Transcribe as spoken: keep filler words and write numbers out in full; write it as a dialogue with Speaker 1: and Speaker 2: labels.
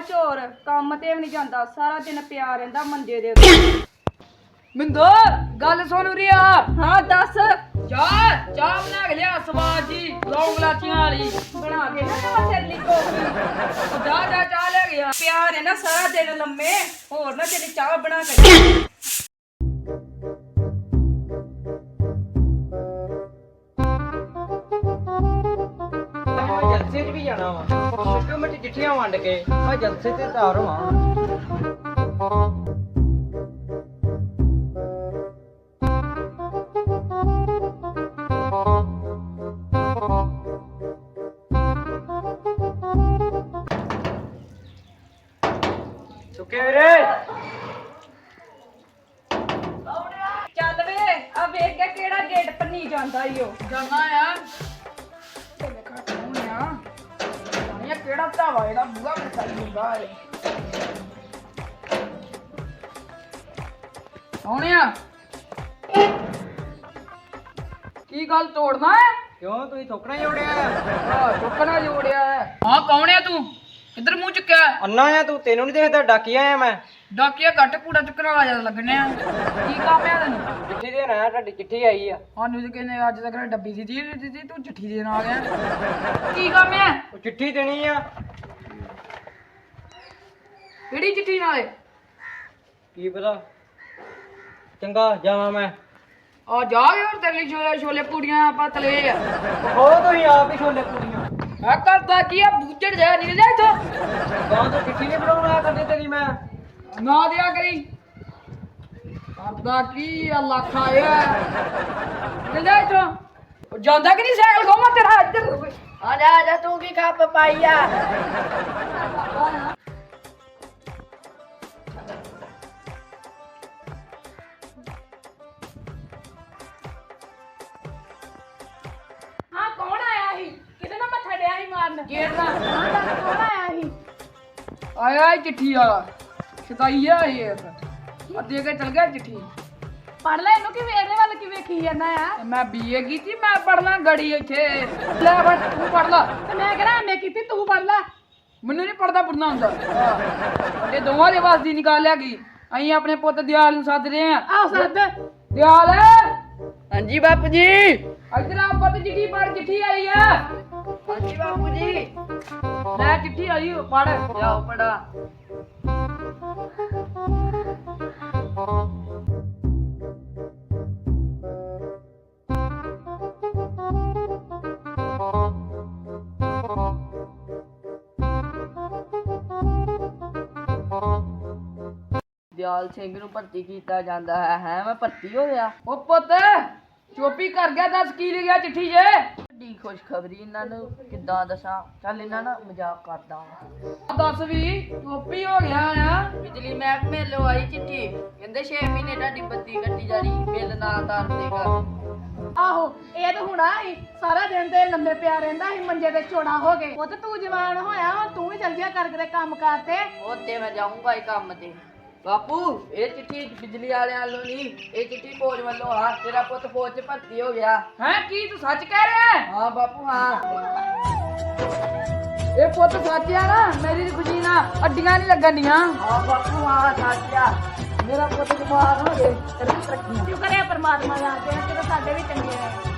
Speaker 1: ਚੋਰ ਕੰਮ ਤੇ ਵੀ ਨਹੀਂ ਜਾਂਦਾ, ਸਾਰਾ ਦਿਨ ਪਿਆ ਰਹਿੰਦਾ ਮੰਜੇ ਦੇ ਉੱਤੇ।
Speaker 2: ਮਿੰਦਰ ਗੱਲ ਸੁਣ ਰਿਆ।
Speaker 1: ਹਾਂ ਦੱਸ।
Speaker 2: ਚਾਹ ਚਾਹ ਬਣਾ ਕੇ ਲਿਆ ਸਵਾਦ ਜੀ, ਲੌਂਗ ਲਾਚੀਆਂ ਵਾਲੀ
Speaker 1: ਬਣਾ ਕੇ ਨਾ ਨਵਾਂ ਸੈਲੀ ਕੋਫੀ।
Speaker 2: ਉਹ ਜਾ ਜਾ ਚਾਹ ਲੈ ਗਿਆ।
Speaker 1: ਪਿਆ ਰਹਿੰਦਾ ਸਾਰਾ ਦਿਨ ਲੰਮੇ, ਹੋਰ ਨਾ ਤੇਰੀ ਚਾਹ ਬਣਾ ਕੇ।
Speaker 3: ਜਲਸੇ 'ਚ ਵੀ ਜਾਣਾ ਵਾ, ਛੋਟੇ ਮੋਟੇ ਚਿੱਠੀਆਂ ਵੰਡ ਕੇ ਮੈਂ ਜਲਸੇ ਤੇ ਤਿਆਰ ਹੋਵਾਂ। ਸੁੱਕੇ ਵੀਰੇ
Speaker 1: ਚੱਲ ਵੇ ਆ ਵੇਖ ਕੇ ਕਿਹੜਾ ਗੇਟ ਪੰਨੀ ਜਾਂਦਾ ਈ ਉਹ।
Speaker 2: ਜਾਣਾ ਆ ਤੇ ਵੇਖਾ ਕੌਣ ਆ। ਇਹ ਕਿਹੜਾ ਧਾਵਾ ਜਿਹੜਾ ਬੂਹਾ ਖੜਕਾਈ ਹੁੰਦਾ ਏ। ਕੌਣ ਆ? ਕੀ ਗੱਲ ਤੋੜਨਾ ਹੈ?
Speaker 3: ਕਿਉਂ ਤੁਸੀਂ ਥੋਕਣਾ ਜੋੜਿਆ?
Speaker 2: ਆ ਚੁੱਕਣਾ ਜੋੜਿਆ ਹੈ। ਹਾਂ ਕੌਣ ਆ ਤੂੰ? ਕਿੱਧਰ ਮੂੰਹ ਚੁੱਕਿਆ?
Speaker 3: ਅੰਨਾ ਆ ਤੂੰ, ਤੈਨੂੰ ਨਹੀਂ ਦੇਖਦਾ ਡਾਕੀਆ ਆ ਮੈਂ।
Speaker 2: ਡਾਕੀਆ ਘੱਟ ਕੂੜਾ ਚੁੱਕਣ ਵਾਲਾ ਜਿਆਦਾ ਲੱਗਣੇ ਆ। ਕੀ ਕੰਮ ਆ ਤੈਨੂੰ?
Speaker 3: ਚਿੱਠੀ ਦੇਣ ਆਇਆ, ਤੁਹਾਡੀ ਚਿੱਠੀ ਆਈ ਆ।
Speaker 2: ਸਾਨੂੰ ਤੇ ਕਹਿੰਦੇ ਅੱਜ ਤੱਕ ਡੱਬੀ ਸੀ ਜੀ ਦਿੱਤੀ, ਤੂੰ ਚਿੱਠੀ ਦੇਣ ਆ ਗਿਆ। ਕੀ ਕੰਮ ਆ?
Speaker 3: ਉਹ ਚਿੱਠੀ ਦੇਣੀ ਆ।
Speaker 2: ਕਿਹੜੀ ਚਿੱਠੀ ਨਾਲੇ?
Speaker 3: ਕੀ ਪਤਾ, ਚੰਗਾ ਜਾਵਾਂ ਮੈਂ।
Speaker 2: ਆ ਜਾ ਯਾਰ ਤੇਰੀ ਛੋਲੇ ਛੋਲੇ ਪੂੜੀਆਂ ਆਪਾਂ ਤਲੇ ਆ।
Speaker 3: ਹੋ ਤੁਸੀਂ ਆਪ ਹੀ ਛੋਲੇ ਪੂਰੀਆਂ।
Speaker 2: ਆ ਕਰਦਾ ਕੀ ਆ ਬੂਝੜ ਜਾ ਨਿਕਲ ਜਾ ਇੱਥੋਂ।
Speaker 3: ਗਾਂ ਤੋਂ ਚਿੱਠੀ ਨਹੀਂ ਬਣਾਉਣਾ ਕਰਦੇ ਤੇਰੀ ਮੈਂ।
Speaker 2: ਨਾ ਦਿਆ ਕਰੀ। ਕਰਦਾ ਕੀ ਆ ਲੱਖ ਆਇਆ। ਨਿਕਲ ਜਾ ਇੱਥੋਂ। ਉਹ ਜਾਂਦਾ ਕਿ ਨਹੀਂ ਸਾਈਕਲ ਘੁੰਮਾ ਤੇਰਾ ਇੱਧਰ।
Speaker 1: ਆ ਜਾ ਆ ਜਾ ਤੂੰ ਕੀ ਕੱਪ ਪਾਈ ਆ। ਹਾਂ ਕੌਣ ਆਇਆ ਸੀ? ਕਿਹਦੇ ਨਾਲ ਮੱਥਾ ਡਿਆ ਸੀ ਮਾਰਨ?
Speaker 2: ਗੇਟ ਦਾ
Speaker 1: ਹਾਂ ਦੱਸ ਕੌਣ ਆਇਆ ਸੀ?
Speaker 2: ਆਇਆ ਈ ਚਿੱਠੀ ਵਾਲਾ। ਸ਼ਦਾਈ ਆ ਇਹ। ਆ ਦੇ ਕੇ ਚਲ ਗਿਆ ਚਿੱਠੀ।
Speaker 1: ਪੜ ਲੈ ਇਹਨੂੰ, ਕਿਵੇਂ ਇਹਦੇ ਵੱਲ ਕੀ ਵੇਖੀ ਜਾਂਦਾ ਆ?
Speaker 2: ਮੈਂ ਬੀਏ ਕੀਤੀ, ਮੈਂ ਪੜਨਾ ਗੜੀ ਇੱਥੇ। ਲੈ ਬੜ ਤੂੰ ਪੜ ਲਾ।
Speaker 1: ਤੇ ਮੈਂ ਕਿਹੜਾ ਐਮਏ ਕੀਤੀ, ਤੂੰ ਪੜ ਲੈ।
Speaker 2: ਮੈਨੂੰ ਨਹੀਂ ਪੜਦਾ ਪੜਨਾ ਹੁੰਦਾ। ਇਹ ਦੋਵਾਂ ਦੇ ਵਾਸ ਦੀ ਨਿਕਾਲ ਲਿਆ ਗਈ। ਅਸੀਂ ਆਪਣੇ ਪੁੱਤ ਦਿਆਲ ਨੂੰ ਸੱਦ ਰਹੇ ਆ।
Speaker 1: ਆਹ ਸੱਦ।
Speaker 2: ਦਿਆਲ
Speaker 3: ਹਾਂਜੀ ਬਾਪੂ ਜੀ।
Speaker 2: ਇੱਧਰ ਆ ਪੁੱਤ, ਚਿੱਠੀ ਪੜ, ਚਿੱਠੀ ਆਈ ਆ।
Speaker 3: ਹਾਂਜੀ ਬਾਪੂ ਜੀ।
Speaker 2: ਲੈ ਚਿੱਠੀ ਆਈ ਪੜ।
Speaker 3: ਜਾਓ ਪੜਾ।
Speaker 4: ਦਿਆਲ ਸਿੰਘ ਨੂੰ ਭਰਤੀ ਕੀਤਾ ਜਾਂਦਾ ਹੈ। ਹੈ ਮੈਂ ਭਰਤੀ ਹੋ ਗਿਆ।
Speaker 2: ਉਹ ਪੁੱਤ ਚੋਪੀ ਕਰ ਗਿਆ, ਦੱਸ ਕੀ ਲਿਖਿਆ ਚਿੱਠੀ 'ਚ?
Speaker 4: ਵੱਡੀ ਖੁਸ਼ਖਬਰੀ ਇਹਨਾਂ ਨੂੰ ਕਿੱਦਾਂ ਦੱਸਾਂ। ਚੱਲ ਇਹਨਾਂ ਨਾਲ ਮਜ਼ਾਕ ਕਰਦਾ ਹਾਂ।
Speaker 2: ਦੱਸ ਵੀ ਚੋਪੀ ਹੋ ਗਿਆ ਆ।
Speaker 4: ਬਿਜਲੀ ਮਹਿਕਮੇ ਵੱਲੋਂ ਆਈ ਚਿੱਠੀ, ਕਹਿੰਦੇ ਛੇ ਮਹੀਨੇ ਤੁਹਾਡੀ ਬੱਤੀ ਕੱਟੀ ਜਾਣੀ, ਬਿੱਲ ਨਾ ਤਾਰਦੇਗਾ।
Speaker 1: ਆਹੋ ਇਹ ਤਾਂ ਹੁਣਾ ਹੀ ਸਾਰਾ ਦਿਨ ਤੇ ਲੰਮੇ ਪਿਆ ਰਹਿੰਦਾ ਸੀ ਮੰਜੇ ਤੇ ਚੋੜਾ ਹੋ ਗਏ। ਉਹ ਤੇ ਤੂੰ ਜਵਾਨ ਹੋਇਆ, ਹੁਣ ਤੂੰ ਵੀ ਚੱਲ ਜਿਆ ਕਰ ਕਿਤੇ ਕੰਮ ਕਾਰ ਤੇ।
Speaker 4: ਉੱਤੇ ਮੈਂ ਜਾਊਂਗਾ ਹੀ ਕੰਮ ਤੇ। ਬਾਪੂ ਇਹ ਚਿੱਠੀ ਬਿਜਲੀ ਵਾਲਿਆਂ ਵੱਲੋਂ ਨਹੀਂ, ਇਹ ਚਿੱਠੀ ਫੌਜ ਵੱਲੋਂ ਆ। ਤੇਰਾ ਪੁੱਤ ਫੌਜ 'ਚ ਭਰਤੀ ਹੋ ਗਿਆ।
Speaker 2: ਹੈ ਕੀ ਤੂੰ ਸੱਚ ਕਹਿ ਰਿਹਾ ਹੈ?
Speaker 4: ਹਾਂ ਬਾਪੂ ਹਾਂ।
Speaker 2: ਇਹ ਪੁੱਤ ਸੱਚ ਆ ਨਾ? ਮੇਰੀ ਖੁਸ਼ੀ ਨਾਲ ਅੱਡੀਆਂ ਨਹੀਂ ਲੱਗਣੀਆਂ।
Speaker 4: ਹਾਂ ਬਾਪੂ ਹਾਂ ਸੱਚ ਆ।
Speaker 2: ਮੇਰਾ ਪੁੱਤ ਜਮਾਨ ਹੋ ਗਏ ਤੇਰੀ ਤਰੱਕੀ।
Speaker 1: ਸ਼ੁਕਰ ਹੈ ਪਰਮਾਤਮਾ ਦਾ, ਜਿਹੜੇ ਕਿਤੇ ਸਾਡੇ ਵੀ ਚੰਗੇ ਆ।